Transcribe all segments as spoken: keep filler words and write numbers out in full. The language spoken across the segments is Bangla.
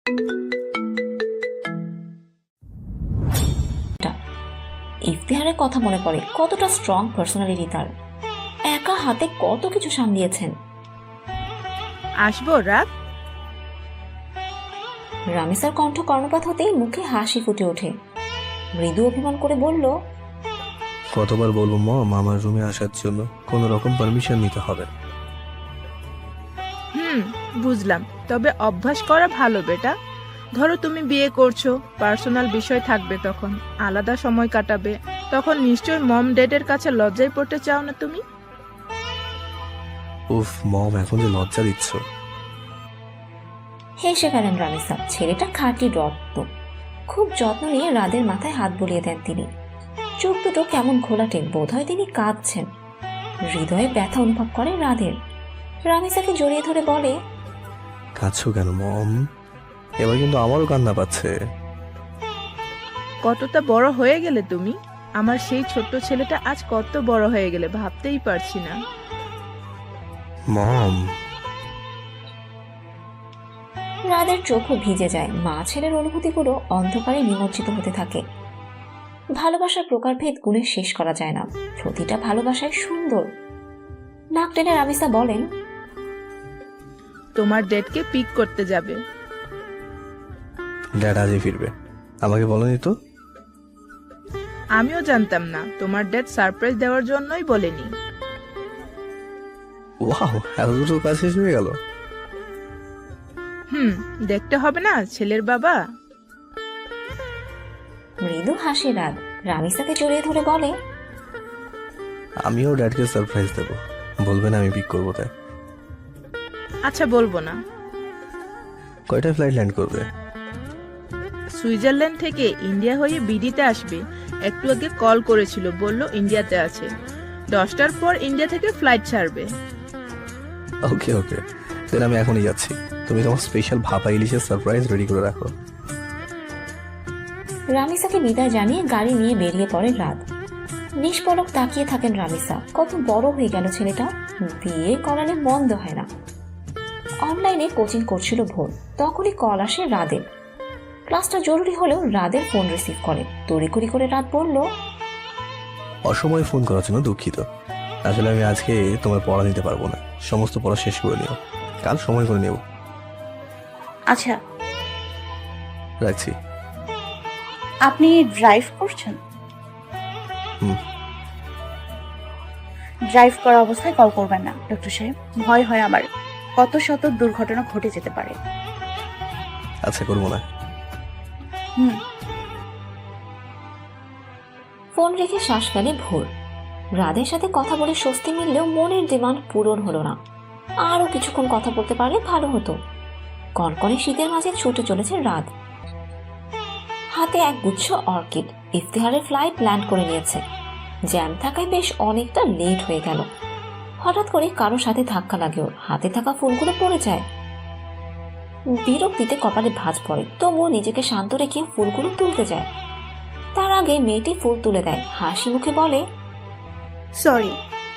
ইফতিহারের কথা মনে পড়ে, কতটা স্ট্রং পার্সোনালিটি তার। একা হাতে কত কিছু সামলিয়েছেন। আসবো রাত। রামিসার কণ্ঠ কর্ণপাত হতেই মুখে হাসি ফুটে ওঠে। মৃদু অভিমান করে বলল, কতবার বলবো মম আমার রুমে আসার জন্য? কোনো রকম পারমিশন নিতে হবে। হুম, বুঝলাম, তবে অভ্যাস করা ভালো বেটা। ধরো তুমি বিয়ে করছো, পার্সোনাল বিষয় থাকবে, তখন আলাদা সময় কাটাবে, তখন নিশ্চয় মম ড্যাডের কাছে লজ্জায় পড়তে চাও না তুমি? উফ মম, এখন যে লজ্জা দিচ্ছ। হেসে গেলেন রামিসা। ছেলেটা খাঁটি রক্ত। খুব যত্ন নিয়ে রাদের মাথায় হাত বুলিয়ে দেন তিনি। চোখ দুটো কেমন ঘোলাটে, বোধ হয় তিনি কাঁদছেন। হৃদয়ে ব্যথা অনুভব করে রাদের। রামিসাকে জড়িয়ে ধরে বলে, কাঁদছো কেন মম? এবার কিন্তু আমারও কান্না পাচ্ছে। কতটা বড় হয়ে গেলে তুমি। আমার সেই ছোট্ট ছেলেটা আজ কত বড় হয়ে গেলে ভাবতেই পারছি না। মম। রাদের চোখও ভিজে যায়। মা ছেলের অনুভূতিগুলো অন্ধকারে নিমজ্জিত হতে থাকে। ভালোবাসার প্রকারভেদ গুণে শেষ করা যায় না। প্রতিটা ভালোবাসায় সুন্দর। নাক টেনে রামিসা বলেন, তোমার ডেটকে পিক করতে যাবে। ড্যাড আজই ফিরবে, আমাকে বলেনি তো। আমিও জানতাম না, তোমার ডেট সারপ্রাইজ দেওয়ার জন্যই বলেনি। ওয়াও, এত দুটো কাজ শেষ হয়ে গেল। হুম, দেখতে হবে না ছেলের বাবা। মৃদু হাসে রাত। রামিসাকে জড়িয়ে ধরে বলে, আমিও ড্যাডকে সারপ্রাইজ দেবো, বলবেন আমি পিক করবো তাই। আচ্ছা, বলবো না। কয়টা ফ্লাইট ল্যান্ড করবে? সুইজারল্যান্ড থেকে ইন্ডিয়া হয়ে বিডিতে আসবে। একটু আগে কল করেছিল, বলল ইন্ডিয়াতে আছে। দশটার পর ইন্ডিয়া থেকে ফ্লাইট ছাড়বে। ওকে ওকে, তাহলে আমি এখনই যাচ্ছি। তুমি তোমার স্পেশাল ভাপা ইলিশের সারপ্রাইজ রেডি করে রাখো। রামিসাকে বিদায় জানিয়ে গাড়ি নিয়ে বেরিয়ে পড়ে রাত। নিষ্পলক তাকিয়ে থাকেন রামিসা। কত বড় হয়ে গেল ছেলেটা। বিয়ে করালে বন্ধ হয় না। অনলাইনে কোচিং করছিল ভোর, তখনই কল আসে রাদের। ক্লাসটা জরুরি হলেও রাদের ফোন রিসিভ করে। তড়িঘড়ি করে রাত বলল, অসময়ে ফোন করার জন্য দুঃখিত। আসলে আমি আজকে তোমার পড়া নিতে পারবো না, সমস্ত পড়া শেষ করে নিও, কাল সময় করে নেব। আচ্ছা, রাখছি। আপনি ড্রাইভ করছেন? হুম। ড্রাইভ করা অবস্থায় কল করবেন না ডক্টর সাহেব, ভয় হয় আমার। কত শত দুর্ঘটনা ঘটে যেতে পারে। আচ্ছা, করবো না। হুম। ফোন রেখে শ্বাস ফেলে ভোর। রাদের সাথে কথা বলে স্বস্তি মিললেও মনের ডিমান্ড পূরণ হলো না। আরো কিছুক্ষণ কথা বলতে পারলে ভালো হতো। কনকনে শীতের মাঝে ছুটে চলেছে রাত। হাতে এক গুচ্ছ অর্কিড। ইফতিহারের ফ্লাইট ল্যান্ড করে নিয়েছে। জ্যাম থাকায় বেশ অনেকটা লেট হয়ে গেল। হঠাৎ করে কারো সাথে ধাক্কা লাগে ওর। হাতে থাকা ফুলগুলো পড়ে যায়। বিরক্তিতে কপালে ভাঁজ পড়ে, তবুও নিজেকে শান্ত রেখে ফুলগুলো তুলতে যায়। তার আগে মেয়েটি ফুল তুলে দেয়। হাসি মুখে বলে, সরি।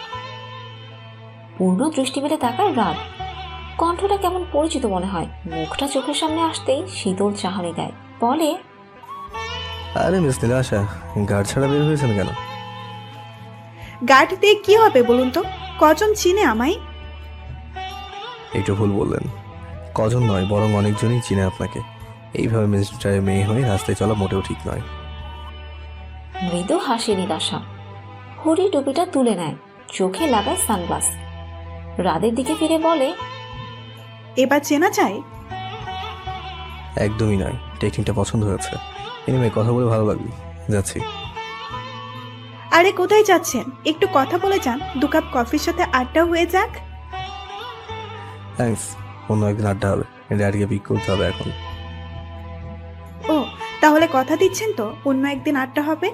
পূর্ণ দৃষ্টি মেলে তাকায় রাত। কণ্ঠটা কেমন পরিচিত মনে হয়। মুখটা চোখের সামনে আসতেই শীতল চাহনি দেয়। বলে, আরে মিস নীলাশা, গাড় ছাড়া বের হয়েছেন কেন? গার্ড দিয়ে কি হবে বলুন তো? কজন চিনে আমায়? একটু ভুল বললেন। কজন নয়, বরং অনেকজনই চিনে আপনাকে। এইভাবে মিনিস্টারের মেয়ে হয়ে রাস্তায় চলা মোটেও ঠিক নয়। মৃদু হাসি নিরাশা। হরি টুপিটা তুলে নেয়, চোখে লাগায় সানগ্লাস। রাদের দিকে ফিরে বলে, এবার চেনা যায়? একদমই নয়, টেকনিকটা পছন্দ হয়েছে। এনিমে, কথা বলে ভালো লাগলো, যাচ্ছি। আরে কোথায় যাচ্ছেন? একটু কথা বলে যান, দু কাপ কফির সাথে আড্ডা হয়ে যাক। থ্যাঙ্কস, অন্য একদিন আড্ডা হবে। ড্যাডকে পিক করতে হবে এখন। ও, তাহলে কথা দিচ্ছেন তো অন্য একদিন আড্ডা হবে?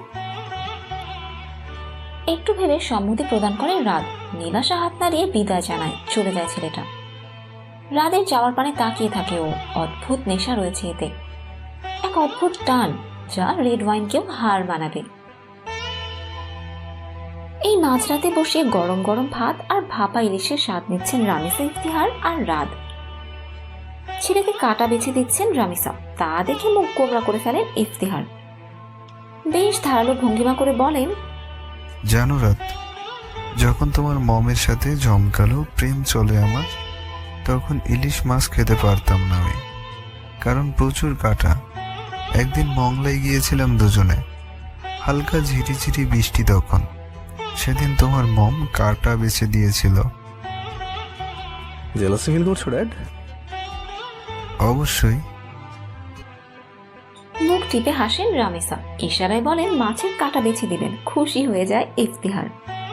একটু ভেবে সম্মতি প্রদান করে রাত। নীলাশা হাত নাড়িয়ে বিদায় জানায়। চলে যায় ছেলেটা। রাদের যাওয়ার পানে তাকিয়ে থাকে ও। অদ্ভুত নেশা রয়েছে এতে, এক অদ্ভুত টান যা রেড ওয়াইনকেও হার মানাবে। এই মাঝরাতে বসে গরম গরম ভাত আর ভাপা ইলিশের স্বাদ নিচ্ছেন রামিসা, ইফতিহার আর রাত। ছেলেকে কাটা বেছে দিচ্ছেন রামিসা, তা দেখে মুখ কোবরা করে ফেলেন ইফতিহার। বেশ ধারালো ভঙ্গিমা করে বলেন, জানো রাত, যখন তোমার মমের সাথে জমকালো প্রেম চলে আমার, তখন ইলিশ মাছ খেতে পারতাম না আমি, কারণ প্রচুর কাটা। একদিন মংলায় গিয়েছিলাম দুজনে, হালকা ঝিরিঝিরি বৃষ্টি তখন। সেদিন তোমার মম কাটা বেছে দিয়েছিল। জেলাসি ফিল করছো ড্যাড? অবশ্যই। মুখ টিপে হাসেন রামিসা, ইশারায় বলেন মাছের কাটা বেছে দিবেন। খুশি হয়ে যায় ইফতিহার।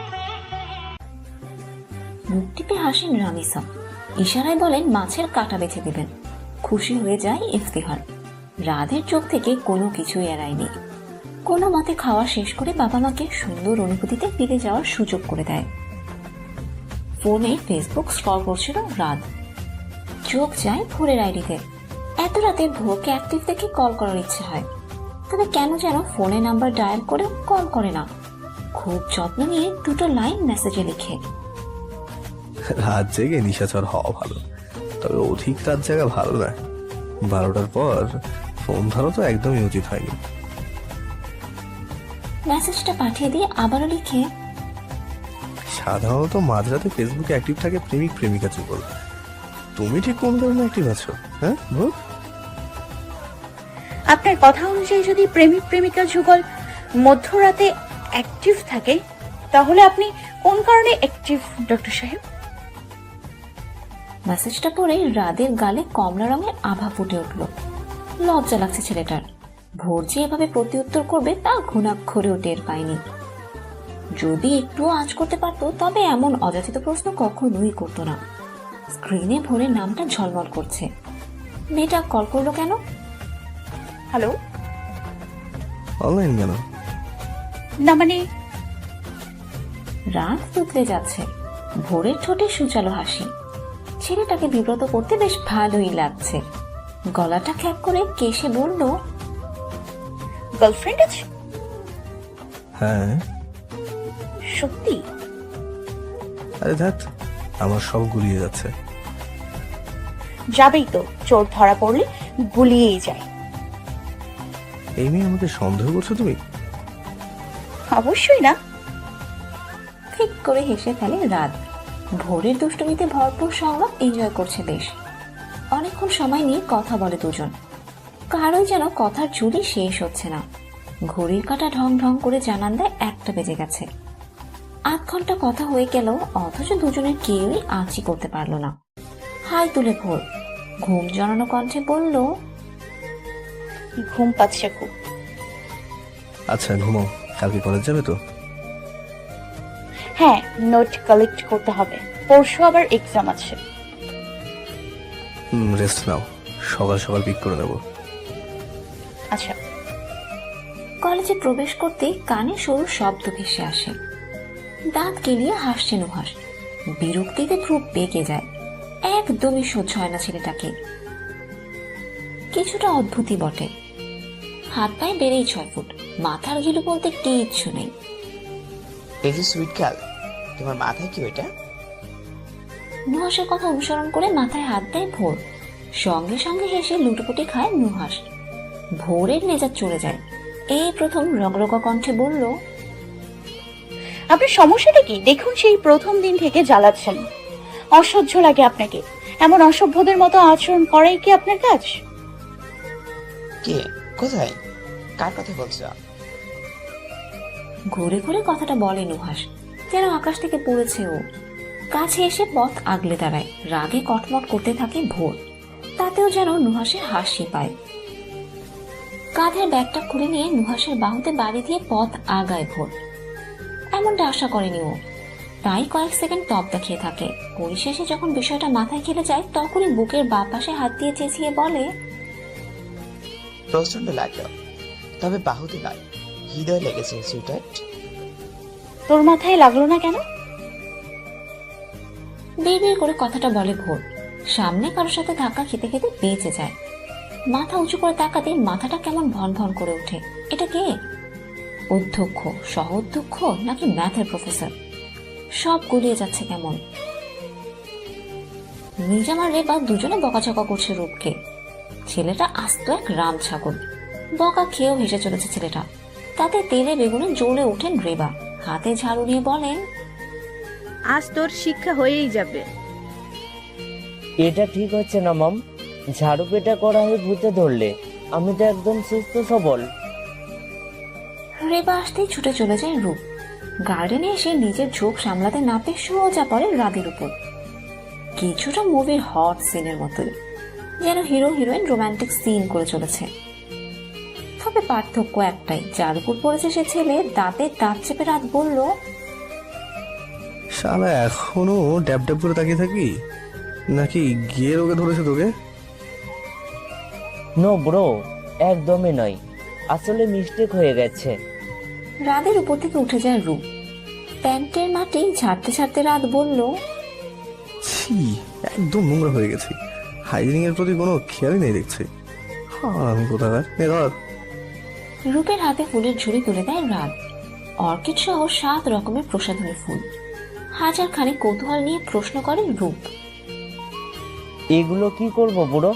মুখ টিপে হাসেন রামিসা, ইশারায় বলেন মাছের কাটা বেছে দিবেন। খুশি হয়ে যায় ইফতিহার। রাধের চোখ থেকে কোনো কিছুই এড়ায়নি। কোনো মতে খাওয়া শেষ করে বাবা মাকে সুন্দর অনুভূতিতে ফিরে যাওয়ার সুযোগ করে দেয়। ফোনে ফেসবুক স্ক্রল করছিল রাত। চোখ যায় ভোরের আইডিতে। এত রাতে ভোরকে অ্যাক্টিভ দেখে কল করার ইচ্ছে হয়, তবে কেন যেন ফোনে নাম্বার ডায়াল করে কল করে না। খুব যত্ন নিয়ে দুটো লাইন মেসেজে লিখে, রাত জেগে নিশাচর হওয়া ভালো, তবে অধিক রাত জাগা ভালো না। বারোটার পর ফোন ধরো তো একদমই উচিত হয়নি। মেসেজটা পাঠিয়ে দিয়ে আবারও লিখে, সাধারণত মাঝরাতে ফেসবুকে অ্যাক্টিভ থাকে প্রেমিক প্রেমিকা যুগল। তুমি ঠিক কোন ধরনের অ্যাক্টিভ আছো? হ্যাঁ ভূত? আপনার কথা অনুযায়ী যদি প্রেমিক প্রেমিকা যুগল মধ্যরাতে অ্যাক্টিভ থাকে, তাহলে আপনি কোন কারণে অ্যাক্টিভ ডক্টর সাহেব? মেসেজটা পড়ে রাদের গালে কমলা রঙের আভা ফুটে উঠল। লজ্জা লাগছে ছেলেটার। ভোর যে এভাবে প্রত্যুত্তর করবে তা ঘুণাক্ষরেও টের পায়নি। যদি একটুও আঁচ করতে পারতো তবে এমন অযাচিত প্রশ্ন কখনোই করতো না। স্ক্রিনে ভোরের নামটা ঝলমল করছে। মেয়েটা কল করলো কেন? হ্যালো? অনলাইন কেন? না মানে রাত তুতলে যাচ্ছে। ভোরের ঠোঁটে সুচালো হাসি। ছেলেটাকে বিব্রত করতে বেশ ভালোই লাগছে। গলাটা খ্যাপ করে কেশে বলল, গার্লফ্রেন্ড আছে? হ্যাঁ। সত্যি? আরে ধ্যাত, আমার সব গুলিয়ে যাচ্ছে। যাবেই তো, চোর ধরা পড়লে গুলিয়েই যায়। এই মেয়ে আমাকে সন্দেহ করছো তুমি? অবশ্যই না। ঠিক করে হেসে ফেলে রাত। ভোরের দুষ্টুমিতে ভরপুর সংলাপ এনজয় করছে বেশ। অনেকক্ষণ সময় নিয়ে কথা বলে দুজন। কারোই যেন কথার ঝুলি শেষ হচ্ছে না। ঘড়ির কাঁটা ঢং ঢং করে জানান দেয় একটা বেজে গেছে। আধ ঘন্টা কথা হয়ে গেল, অথচ দুজনের কেউই আঁচি করতে পারলো না। হাই তুলে ভোর ঘুম জড়ানো কণ্ঠে বলল, ঘুম পাচ্ছে খুব। আচ্ছা ঘুমাও, কালকে কলেজ যাবে তো? হ্যাঁ, নোট কালেক্ট করতে হবে, পরশু আবার এক্সাম আছে। হুম, রেস্ট নাও, সকাল সকাল পিক করে নেবো। আচ্ছা। কলেজে প্রবেশ করতে কানে সরু শব্দ ভেসে আসে। দাঁত কেলিয়ে হাসছে নুহাস। বিরক্তিতে ভ্রু বেঁকে যায়। একদমই সহ্য হয় না ছেলেটাকে। কিছুটা অদ্ভুতই বটে। হাত পায়ে বেড়েই ছয় ফুট, মাথার ঘিলু বলতে কিচ্ছু নেই। এই যে সুইট গার্ল, তোমার মাথায় কি ওইটা? নুহাসের কথা অনুসরণ করে মাথায় হাত দেয় ভোর। সঙ্গে সঙ্গে হেসে লুটোপুটি খায় নুহাস। ভোরের মেজাজ চলে যায়। এই প্রথম রগরগা কণ্ঠে বলল, আপনার সমস্যাটা কি? দেখুন, সেই প্রথম দিন থেকে জ্বালাচ্ছেন। অসহ্য লাগে আপনাকে। এমন অসভ্যদের মতো আচরণ করাই কি আপনার কাজ? কে? কোথায়? কার কথা বলছো? ঘুরে ঘুরে কথাটা বলে নুহাস, যেন আকাশ থেকে পড়েছে ও। কাছে এসে পথ আগলে দাঁড়ায়। রাগে কটমট করতে থাকে ভোর। তাতেও যেন নুহাসের হাসি পায়। কাঁধের ব্যাগটা খুলে নিয়ে নুহাসের বাহুতে বাড়ি দিয়ে পথ আগায় ভোর। এমনটা আশা করেনি ও, তাই কয়েক সেকেন্ড তপ্ত খেয়ে থাকে। পরিশেষে যখন বিষয়টা মাথায় খেলে যায়, তখনই বুকের বাঁ পাশে হাত দিয়ে চেঁচিয়ে বলে, প্রচন্ড লাগলো, তবে বাহুতে নয়, হৃদয় লেগেছে সুইটার্ট। তোর মাথায় লাগলো না কেন? বিড়বিড় করে কথাটা বলে ভোর। সামনে কারোর সাথে ধাক্কা খেতে খেতে বেঁচে যায়। মাথা উঁচু করে তাকাতে মাথাটা কেমন ভন ভন করে ওঠে। এটা কে? অধ্যক্ষ, সহ অধ্যক্ষ নাকি ম্যাথের প্রফেসর? সব গুলিয়ে যাচ্ছে কেমন। নিজাম আর রেবা দুজনে বকাঝকা করছে রূপকে। ছেলেটা আস্ত এক রাম ছাগল, বকা খেয়েও হেসে চলেছে ছেলেটা। তাতে তেলে বেগুনে জ্বলে ওঠেন রেবা, হাতে ঝাড়ু নিয়ে বলেন, আজ তোর শিক্ষা হয়েই যাবে। এটা ঠিক হচ্ছে না মম, ঝাড়ু পেটা করা হয়ে ভূতে ধরলে। আমি তো একদম সুস্থ সবল। রেবা আসতেই ছুটে চলে যায় রূপ। গার্ডেনে এসে নিজের ঝোঁক সামলাতে না পেয়ে সোজা পড়ে রাদের উপর। কিছুটা মুভির হট সিনের মতোই, যেন হিরো হিরোইন রোমান্টিক সিন করে চলেছে। তবে পার্থক্য একটাই, যার উপর পড়েছে সে ছেলে দাঁতে দাঁত চেপে রাত বলল, শালা এখনো ড্যাব ড্যাব করে তাকিয়ে থাকি, নাকি গিয়ে রোগে ধরেছে তোকে? নো ব্রো, একদমই নয়, আসলে মিস্টেক হয়ে গেছে। রাদের উপর থেকে উঠে যায় রূপ। প্যান্টের মাটি ঝাড়তে ঝাড়তে রাত বলল, ছি, একদম নোংরা হয়ে গেছি। হাইজিনিং এর প্রতি কোনো খেয়ালই নেই দেখছি। হ্যাঁ, আমি কোথাকার এ ধর। রূপের হাতে ফুলের ঝুড়ি তুলে দেয় রাত। অর্কিড সহ সাত রকমের প্রসাধনী ফুল। হাজার খানে কৌতূহল নিয়ে প্রশ্ন করে রূপ, এগুলো কি করব বুড়ো?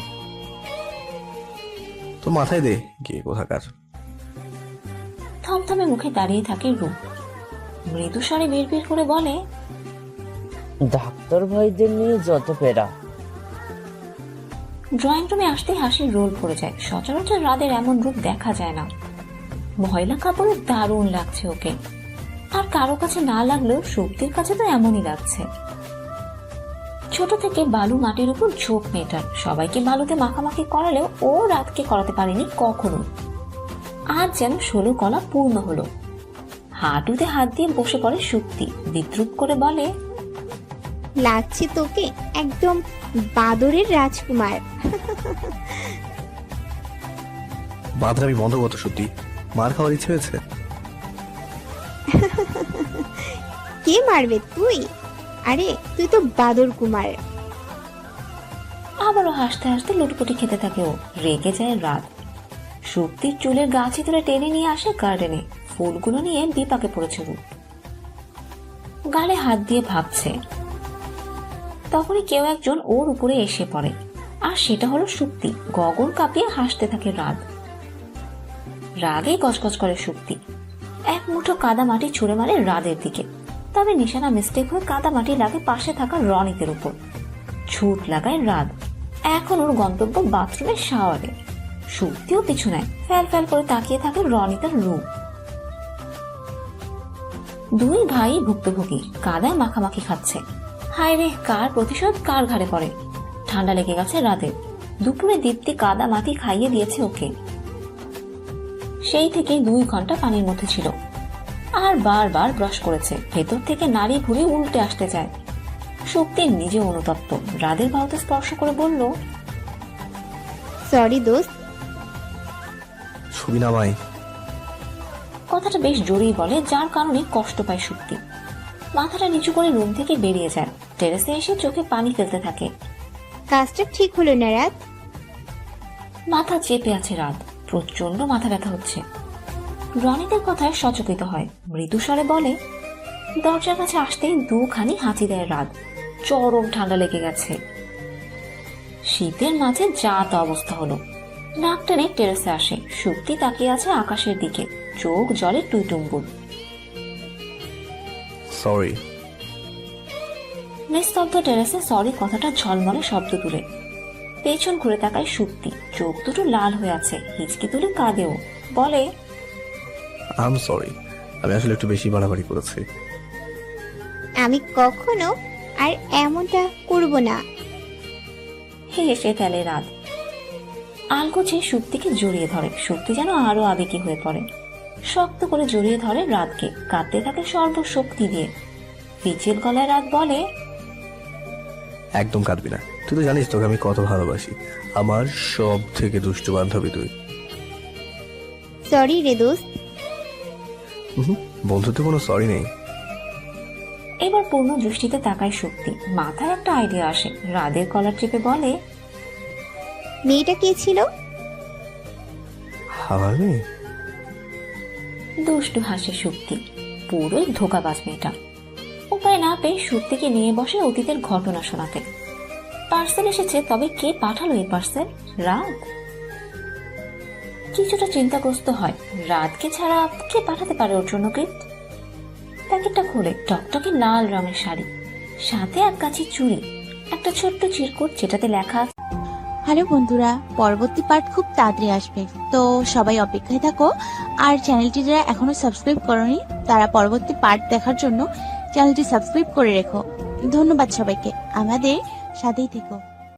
তো মাথায় দে গিয়ে কোথাকার। থমথমে মুখে দাঁড়িয়ে থাকে রূপ। মৃদু স্বরে বিড়বিড় করে বলে, ডাক্তার ভাইদের নিয়ে যত পেরা। ড্রয়িং রুমে আসতেই হাসির রোল পড়ে যায়। সচরাচর রাদের এমন রূপ দেখা যায় না। ময়লা কাপড়ে দারুণ লাগছে ওকে, আর কারো কাছে না লাগলেও শক্তির কাছে তো এমনই লাগছে। ছোট থেকে বালু মাটির উপর ঝোঁক মেয়েটার, সবাইকে বালুতে মাখামাখি করালেও ও রাতকে করাতে পারেনি কখনো। আজ যেন ষোলো কলা পূর্ণ হলো। হাঁটুতে হাত দিয়ে বসে পড়ে শক্তি, বিদ্রুপ করে বলে, লাগছে তোকে একদম বাদরের রাজকুমার। বাদরামি বন্ধ করতো সত্যি, মার খাওয়ার ইচ্ছে হয়েছে। কে মারবে তুই? আরে তুই তো বাদর কুমার। আবারও হাসতে হাসতে লুটপুটি খেতে থাকে ও। রেগে যায় রাত। শক্তির চুলের গাছে তুলে টেনে নিয়ে আসে গার্ডেনে। ফুলগুলো নিয়ে বিপাকে পড়েছে রূপ। গালে হাত দিয়ে ভাবছে। তখনই কেউ একজন ওর উপরে এসে পড়ে, আর সেটা হলো শক্তি। গগন কাঁপিয়ে হাসতে থাকে রাত। রাগে গজগজ করে শক্তি। এক মুঠো কাদা মাটি ছুঁড়ে মারে রাদের দিকে। তবে নিশানা মিস্টেক হয়ে কাদা মাটি লাগে পাশে থাকা রনিতের উপর। ছুট লাগায় রাত। এখন ওর গন্তব্য বাথরুমের শাওয়ারে। শক্তিও পিছু নেয়, ফ্যাল ফ্যাল করে তাকিয়ে থাকে রনিতার রূপ। দুই ভাই ভুক্তভোগী, কাদায় মাখামাখি খাচ্ছে। হায় রে, কার প্রতিশোধ কার ঘাড়ে পড়ে। ঠান্ডা লেগে গেছে রাতে। দুপুরে দীপ্তি কাদা মাটি খাইয়ে দিয়েছে ওকে। সেই থেকে দুই ঘন্টা পানির মধ্যে ছিল, আর বারবার ব্রাশ করেছে। ভেতর থেকে নাড়ি ভুড়ি উল্টে আসতে চায়। শক্তির নিজে অনুতপ্ত। রাদের বাহুতে স্পর্শ করে বলল, সরি দোস্ত। ছবি নামাই। কথাটা বেশ জোরেই বলে, যার কারণে কষ্ট পায় শক্তি। মাথাটা নিচু করে রুম থেকে বেরিয়ে যায়। টেরেসে এসে চোখে পানি ফেলতে থাকে। কাজটা ঠিক হলো না রাত। মাথা চেপে আছে রাত। প্রচন্ড মাথা ব্যথা হচ্ছে। রনিতের কথায় সচকিত হয়। মৃদু স্বরে বলে, দরজার কাছে আসতেই দুখানি হাঁচি দেয় রাত। চরম ঠান্ডা লেগে গেছে। শীতের মাঝে যা তা অবস্থা হলো। নাক টেনে টেরেসে আসে। শক্তি তাকিয়ে আছে আকাশের দিকে, চোখ জলে টুইটুম্বুর। সরি। নিস্তব্ধ টেরেসে সরি কথাটা ঝলমলে শব্দ তুলে। পেছন ঘুরে তাকায় শক্তি। চোখ দুটো লাল হয়ে আছে, হিচকি তুলে কাঁদেও। বলে, আই এম সরি, আমি আসলে একটু বেশি বাড়াবাড়ি করেছি। আমি কখনো আর এমনটা করব না। হেসে ফেলে রাত। আলগোছে শক্তিকে জড়িয়ে ধরে। শক্তি যেন আরো আবেগী হয়ে পড়ে। শক্ত করে জড়িয়ে ধরে রাতকে, কাঁদতে থাকে সর্বশক্তি দিয়ে। পিচের গলায় রাত বলে, একদম কাঁদবি না। তুই তো জানিস তোকে আমি কত ভালোবাসি। আমার সব থেকে দুষ্টু বান্ধবী তুই। সরি রে দোস্ত। বন্ধুত্বে কোনো সরি নেই। এবার পূর্ণ দৃষ্টিতে তাকায় শক্তি। মাথায় একটা আইডিয়া আসে। রাদের কলার চেপে বলে, মেয়েটা কে ছিল? আমার মেয়ে? দুষ্টু হাসে শক্তি। পুরোই ধোকাবাজ মেয়েটা। উপায় না পেয়ে শক্তিকে নিয়ে বসে অতীতের ঘটনা শোনাতে। পার্সেল এসেছে, তবে কে পাঠালো এই পার্সেল? রাত। কিছুটা চিন্তাগ্রস্ত হয়, রাতকে ছাড়া কে পাঠাতে পারে ওর জন্য গিফট? প্যাকেটটা খুলে টকটকে লাল রঙের শাড়ি, সাথে এক কাছে চুড়ি, একটা ছোট্ট চিরকুট যেটাতে লেখা আছে, হ্যালো বন্ধুরা, পরবর্তী পার্ট খুব তাড়াতাড়ি আসবে, তো সবাই অপেক্ষায় থাকো। আর চ্যানেলটি যারা এখনো সাবস্ক্রাইব করনি তারা পরবর্তী পার্ট দেখার জন্য চ্যানেলটি সাবস্ক্রাইব করে রেখো। ধন্যবাদ সবাইকে, আমাদের সাথেই থেকো।